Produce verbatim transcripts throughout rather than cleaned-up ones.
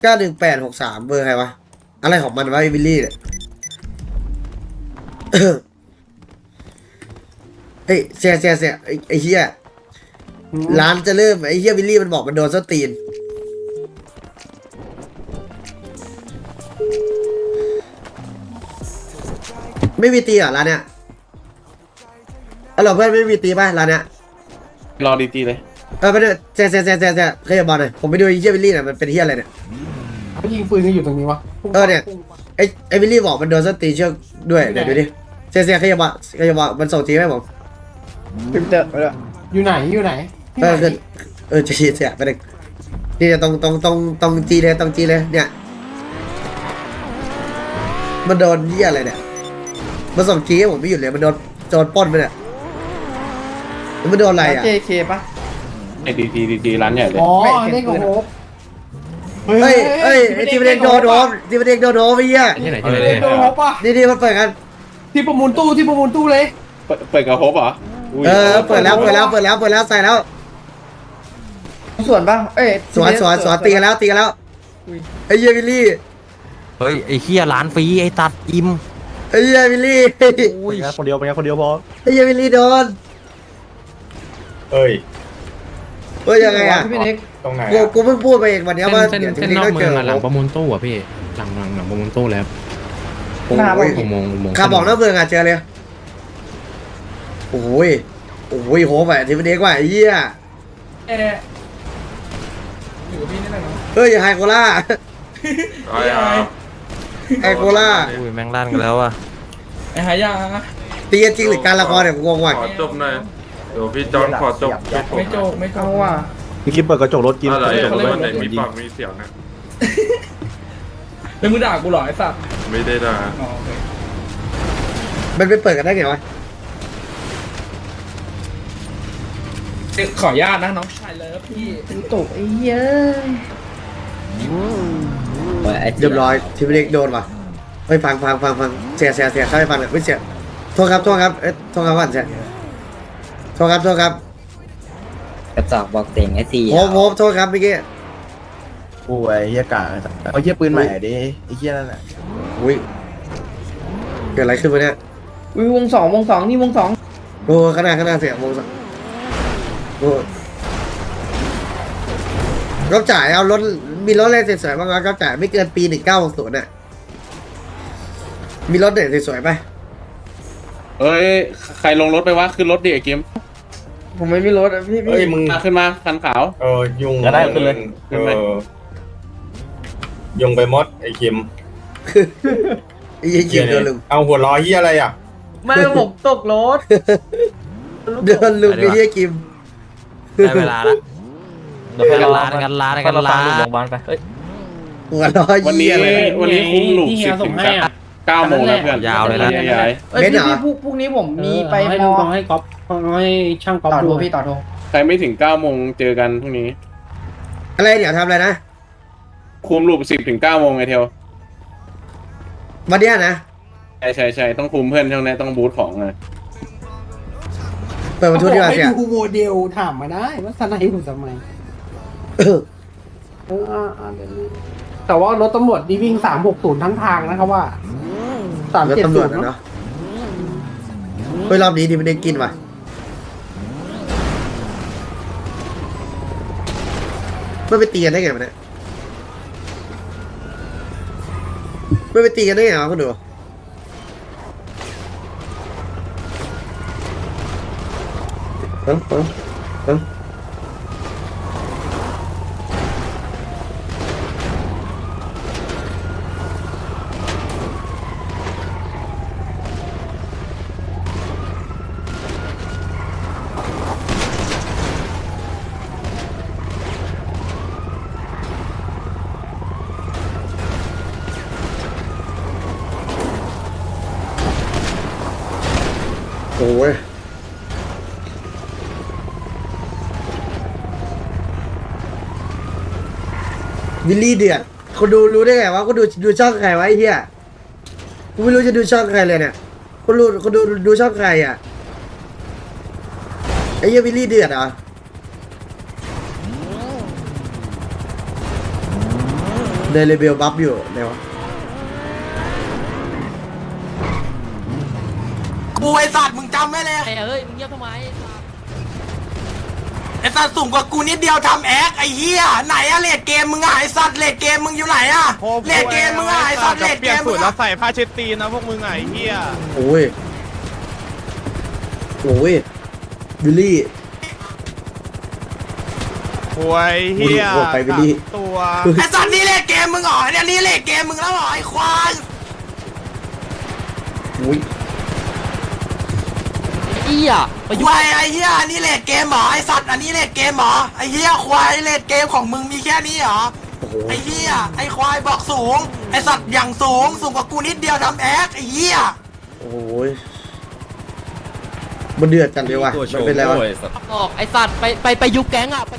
เก้าหนึ่งแปดหกสามเบอร์ใครวะอะไรของมันวะไอ้วิลลี่เนี่ย เฮ้ยเสียเสียเสียไอ้ไอ้เฮียร้านจะเริ่มไอ้เฮียวิลลี่มันบอกมันโดนส้นตีนไม่มีตีเหรอร้านเนี้ยเออเราเพื่อนไม่มีตีป่ะร้านเนี้ยรอดีจีเลยเออไปเลยเสียเสียเสียเสียเสียขยับบอลหน่อยผมไปดูไอ้เฮียวิลลี่หน่อยมันเป็นเฮียอะไรเนี่ยเขายิงปืนกันอยู่ตรงนี้วะเออเนี่ยไอ้ไอ้วิลลี่บอกมันโดนส้นตีนเชือกด้วยเดี๋ยวดูดิเสียเสียขยับบอลขยับบอลมันส่งทีให้ผมพิมพ์เจอไปเลยอยู่ไหนอยู่ไหนเออคือเออจะเสียไปเลยนี่จะตรงตรงตรงตรงจีเลยตรงจีเลยเนี่ยมันโดนเหี้ยอะไรเนี่ยมันส่งจีให้ผมไม่หยุดเลยมันโดนโจรปล้นไปเนี่ยมันโดนอะไรอ่ะเจเคปะไอ้ดีจีดีจีร้านใหญ่เลยอ๋อเล่นกับโฮปเฮ้ยเฮ้ยไอ้ทีมเด็กโดนโดนทีมเด็กโดนโดนไปเหี้ยที่ไหนที่ไหนเล่นกับโฮปป่ะนี่นี่มันเปิดกันที่ประมูลตู้ที่ประมูลตู้เลยเปิดเปิดกับโฮปเหรอเออเปิดแล้วเปิดแล้วเปิดแล้วเปิดแล้วใส่แล้วส่วนปะเอ้ยสวนสวนสวนตีกันแล้วตีกันแล้วไอ้เหี้ยวิลลี่เฮ้ยไอ้เฮียร้านฟรีไอ้ตัดอิ่มไอ้เหี้ยวิลลี่อุ้ยคนเดียวเป็นไงคนเดียวพอไอ้เหี้ยวิลลี่โดนเอ้ยเฮ้ยยังไงอ่ะพี่เน็กตรงไหนกูกูเพิ่งพูดไปเองวันนี้ว่าเส้นเดี๋ยวเส้นทีนนี้อกก็เมืเจองออะหลังประมูลตู้อ่ะพี่หลังหลังหลังประมูลตู้แล้วโอ้หน้าบ้านยอุโมงค์อุโมงค์ขับบอกนอกเมืองอ่ะเจอเลยโอ้ยโอ้ยโหแบบทีมเด็กว่าไอ้เหี้ยเอออยู่กับพี่นี่แหละเนาะเฮ้ยไฮโคล่าไฮโคล่าอุ้ยแม่งลั่นกันแล้วอ่ะไอ้หายาตีกันจริงหรือการละครเนี่ยกูงงว่ะขอจบหน่อยเดี๋ยวพี่จอนขอจบไม่โจกไม่โจเอากว่ะพี่คิดเปิดกระจกรถกินอะไรเปิดกระจกรถวันไหนมียิงปากมีเสียงนะแล้วมึงด่ากูเหรอไอ้สัตว์ไม่ได้ด่าอ๋อโอเคมันไปเปิดกันได้ไงวะขออนุญาตนะน้องชายเลิฟพี่เป็นตกไอ้เหี้ยเรียบร้อยทีมเด็กโดนว่ะเฮ้ยฟังฟังฟังฟังเสียเสียเสียเข้าไปฟังเลยไม่เสียโทษครับโทษครับเอ๊ะโทษครับว่าเสียโทษครับโทษครับกระจอกบอกเต็งไอ้สี่โฮมโฮมโทษครับเมื่อกี้โอ้ยเฮียกาเอาเฮียปืนใหม่ดิไอ้เฮียนั่นแหละอุ้ยเกิดอะไรขึ้นวะเนี่ยวิวงสองวงสองนี่วงสองโอ้ขนาดขนาดเสียงโมงสักโอ้ก็จ่ายเอารถมีรถอะไรสวยๆบ้างวะก็จ่ายไม่เกินปีหนึ่งเก้าหกศูนย์น่ะมีรถเด็ดสวยๆไหมเอ้ยใครลงรถไปวะขึ้นรถดิไอ้เกมผมไม่มีรถอะพี่เฮ้ยพี่มึงมาขึ้นมาคันขาวเออยุงจะได้ขึ้นเลยเออยุงไปมดไอ้คิมไอ้ยี่เกียโดนลุมเอาหัวล้อเฮียอะไรอ่ะไม่ผมตกรถโดนลุมไอ้ยี่กิมได้เวลาละกันร้านกันร้านกันร้านหัวล้อวันนี้ยี่อะไรนะวันนี้คุ้มหลุมสิบถึงเก้าโมงแล้วเพื่อนยาวเลยนะยายเอ้ยเบนซ์พี่เหรอพี่พรุ่งพรุ่งนี้ผมมีไปให้พดูอต้องให้ก๊อฟให้ช่างก๊อฟต่อโทดูรพี่ต่อโทรใครไม่ถึงเก้าโมงเจอกันพรุ่งนี้อะไรเดี๋ยวทำอะไรนะคุมหลุมสิบถึงเก้าโมงไงเทลวันเนี้ยนะใช่ใช่ใช่ต้องคุมเพื่อนช่วงนี้ต้องบูทของอ่ะเปิดประตูดีกว่าให้เสียดูโมเดลถามมาได้ว่าสไนด์ผมทำไมเออเอออ่าอ่าเดี๋ยวนี้แต่ว่ารถตำรวจนี่วิ่งสามหกศูนย์ทั้งทางนะครับว่าสามแล้วเจ็ดตำรศูวจนย์นะเนาะเฮ้ยรอบนี้ทีมเด็กกินว่ะไม่ไปตีกันได้ไงมันเนี่ยไม่ไปตีกันได้ไงวะคุณดูเอ้าเอ้าเอ้าโอ้ยวิลลี่เดือดคนดูรู้ได้ไงวะคนดูดูช่องใครวะไอ้เหี้ยกูไม่รู้จะดูช่องใครเลยเนี่ยคนรู้คนดูดูช่องใครอ่ะไอ้เหี้ยวิลลี่เดือดเหรอเดลิเบลบัฟอยู่ไหนวะกูไอสัตว์มึงจำไว้เลยเฮ้ยมึงเงียบทำไมไอสัตว์สูงกว่ากูนิดเดียวทำแอคไอเหี้ยไหนอะเลดเกมมึงอะไอสัตว์เลดเกมมึงอยู่ไหนอะเลดเกมมึงอะไอสัตว์เลดเกมมึงอะใส่ผ้าเช็ดตีนนะพวกมึงไงเฮียโอ้ยโอ้ยวิลลี่หวยเฮียโอ้ยไปวิลลี่ตัวไอสัตว์นี่เลดเกมมึงเหรอเนี่ยนี่เลดเกมมึงแล้วเหรอไอควายโอ้ยไอ้เหี้ยไปคยุ่วายไอเหี้ยนี่เลดเกมเหรอไอสัตว์อันนี้เลดเกมเหรอไอเหี้ยควายเลดเกมของมึงมีแค่นี้เหรอโอ้โหไอเหี้ยไอควายบอกสูงไอสัตว์อย่างสูงสูงกว่ากูนิดเดียวทำแอคไอเหี้ยโอ้ยมันเดือดจังเลยว่ะมันเป็นไรวะออกไอ้สัตว์ไปไปไปยุบแก๊งอ่ะไป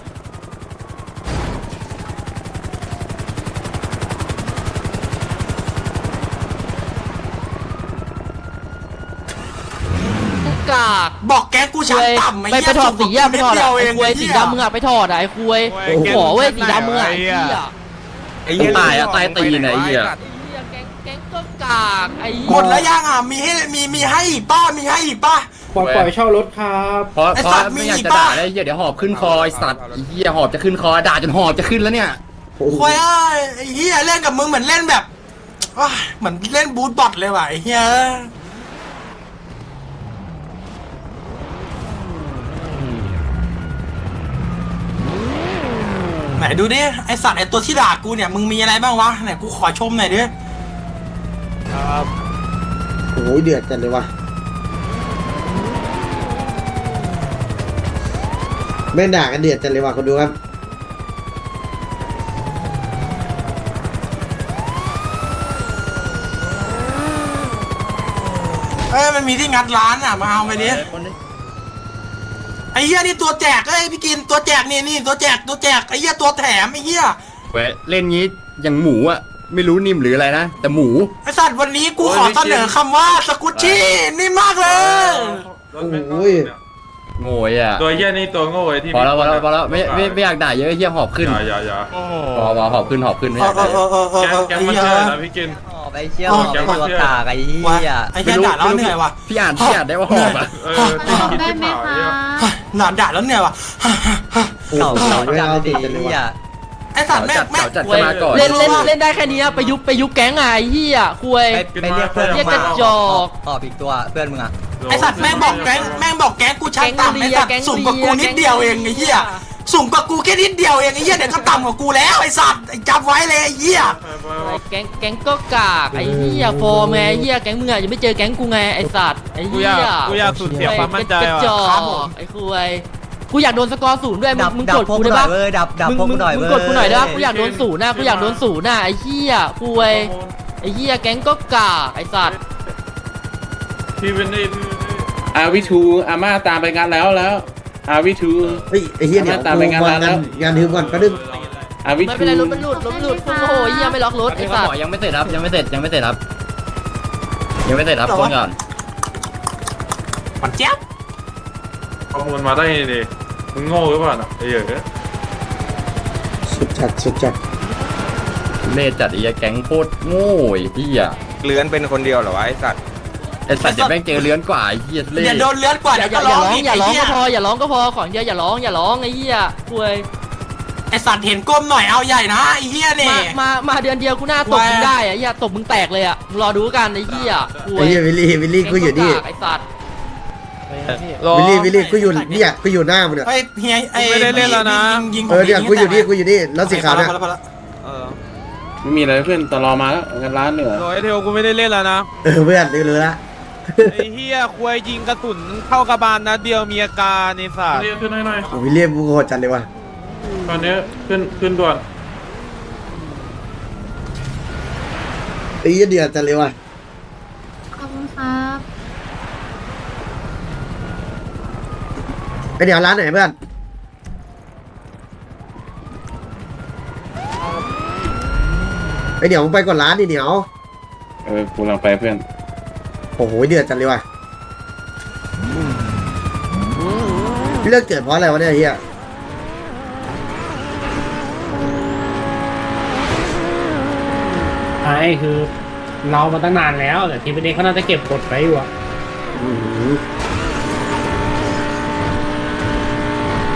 กากบอกแกกูชั้นต่ำไปไอ้ไปเหี้ยถอดสีอ่ะไปถอดเดีอ่ะยวเอไอ้งควยสีดำมึงอ่ะไปถอดอ่ะไอ้ควยขอเว้ยสีดำมึงอ่ะไอ้เหี้ยไอ้เฮียตายอะตายตีนไอ้เฮียแก๊งแก๊งก็กากไอ้หมดแล้วยังอ่ะมีให้มีมีให้อีกป้ามีให้อีกป้าปล่อยปล่อยเช่ารถครับเพราะไอ้เพราะสัตว์ไม่อยากมีจะป่ะด่าเลยเฮียเดี๋ยวหอบขึ้นคอไอ้สัตว์ไอ้เฮียหอบจะขึ้นคอด่าจนหอบจะขึ้นแล้วเนี่ยโอ้โหควายเอ้ยไอ้เหี้ยเล่นกับมึงเหมือนเล่นแบบว้ายเหมือนเล่นบูทบอทเลยว่ะไอ้เหี้ยไหนดูดิไอสัตว์ไอตัวที่ด่ากูเนี่ยมึงมีอะไรบ้างวะไหนกูขอชมหน่อยดิโอ้ยเดือดจังเลยว่ะแม่งด่ากันเดือดจังเลยว่ะคนดูครับเอ้ยมันมีที่งัดร้านอ่ะมาเอาไปดิไอ้เหี้ยนี่ตัวแจกเอ้ยพี่กินตัวแจกนี่นี่ตัวแจกตัวแจกไอ้เหี้ยตัวแถมไอ้เหี้ยเว้ยเล่นงี้อย่างหมูอะไม่รู้นิ่มหรืออะไรนะแต่หมูไอ้สัตว์วันนี้กูขอเสนอคำว่าสกุชชี่นี่มากเลยรถแม่งโอ้ยโง่ยอะตัวเหี้ยนี่ตัวโง่ไอ้ที่พอแล้วพอแล้วพอแล้วไม่ไม่ไม่อยากด่าเยอะไอ้เฮียหอบขึ้นอย่าอย่าอย่าพอพอหอบขึ้นหอบขึ้นไม่เออยาอก เอด่าอเออเออเออแกงเออแกงไอ้มันเหี้ยเชื่อนะพี่กินไปเชี่ยวแกงมันเชื่อกากไอ้เหี้ว่ะยไอ้เหี้ยด่าแล้วเหนื่อยว่ะพี่อ่านพี่อ่านได้ว่าหอบอะเออที่กินที่เผาเนี่ยหนอนด่าแล้วเหนื่อยว่ะโอ้โหไม่เอาติดจังเลยว่ะไอ้สัตว์แม่งจัดแม่งเก่าจัดขึ้นมาก่อนเล่นเล่นเล่นได้แค่นี้นะไปยุบไปยุบแก๊งอ่ะไอ้เหี้ยควยไปเรียกเพื่อนเรียกกระจอกตอบอีกตัวเพื่อนมึงอ่ะไอ้สัตว์แม่งบอกแก๊งแม่งบอกแก๊งกูชั้นต่ำไอ้สัตว์สูงกว่ากูนิดเดียวเองไอ้เหี้ยสูงกว่ากูแค่นิดเดียวเองไอ้เหี้ยเดี๋ยวก็ต่ำกว่ากูแล้วไอ้สัตว์ไอ้จำไว้เลยไอ้เหี้ยแก๊งแก๊งก็กากไอ้เหี้ยฟอร์มไงไอ้เหี้ยแก๊งมึงอ่ะยังไม่เจอแก๊งกูไงไอ้สัตว์ไอ้เหี้ยกูอยากสูญเสียความมั่นใจกระจว่ะอกไอ้ควยกูอยากโดนสกอร์ศูนย์ด้วยมึดังบมึงดักบดพวกกูกูหได้น่อปะยเว้ยดับดับมึงพวกมึกูงหน่อยมึเว้งยกดกูหน่อยได้ปะกูอยากโดนศูนย์นะกูอยากโดนศูนย์น่ะไอ้เหี้ยควยไอ้เหี้ยแก๊งก็กากไอ้สัตว์พี่เป็นนี่พี่อาวิทูอาม่าตามไปงานแล้วแล้วอาวิทูเฮ้ยไอ้เหี้ยเดี๋ยวตามไปงานกูร้านแล้วงานถึงก่อนแป๊บนึงอาวิไม่ทูเป็นไรรถมันหลุดรถมันหลุดโอ้โหเหี้ยไม่ล็อกรถไอ้เขาสัตบอว์กยังไม่เสร็จครับยังไม่เสร็จยังไม่เสร็จครับยังไม่เสร็จครับคนก่อนปันเจี๊ยบข้อมูลมาได้ดิมึงโง่หรือเปล่าน่ะไอ้เหี้ยสุดจัดสุดจัดเล่จัดไอ้เหี้ยแก๊งโคตรโง่ไอ้เหี้ยเลื้อนเป็นคนเดียวเหรอวะไอ้สัตว์ไอ้สัตว์เดี๋ยวแม่งเจอเลื้อนกว่าไอ้เหี้ยเล่อย่าโดนเลือดกว่าอย่าเดี๋ยวอก็ย่าร้องอย่าร้องอีกอย่าร้องไอ้ก็เหี้ยพออย่าร้องก็พอของเดียวอย่าร้องอย่าร้องไอ้เหี้ยควยไอ้สัตว์เห็นก้มหน่อยเอาใหญ่นะไอ้เหี้ยนี่มามามาเดือนเดียวกูหน้าตบมึงได้อะไอ้เหี้ยตบมึงแตกเลยอ่ะมึงรอดูกันไอ้เหี้ยควยไอ้เหี้ยวิลลี่วิลลี่กูอยู่นี่ไอ้สัตว์วิลลี่วิลลี่กูอยู่เนี่ยกูอยู่หน้ามึงเนี่ยเฮ้ยเฮียไอ้ไม่ได้เล่นแล้วนะยิงเออเนี่ยกูอยู่นี่กูอยู่นี่แล้วสีขาวเนี่ยพอแล้วไม่มีอะไรเพื่อนตลอมาแล้วงานร้านเหนือโอ้ยเทลกูไม่ได้เล่นแล้วนะเออเพื่อนรู้ละไอ้เหี้ยควยยิงกระสุนเข้ากระบาลนัดเดียวมีอาการในสัตว์เรียกขึ้นหน่อยวิลเลียมกูโหดจัดเลยว่ะๆตอนนี้ขึ้นขึ้นด่วนไอ้เหี้ยเดือดจัดเลยว่ะขอบคุณครับไอ้เดี๋ยวร้านไหนเพื่อนไอ้เดี๋ยวมึงไปก่อนร้านดิเดี๋ยวเออกูลังไปเพื่อนโอ้โหเดือดจัดเลยว่ะพี่เลิกเกิดเพราะอะไรวะเนี่ยเฮียใช่คือเรามาตั้งนานแล้วแต่ทีมเด็กเขาน่าจะเก็บกดไว้อยู่อะอืม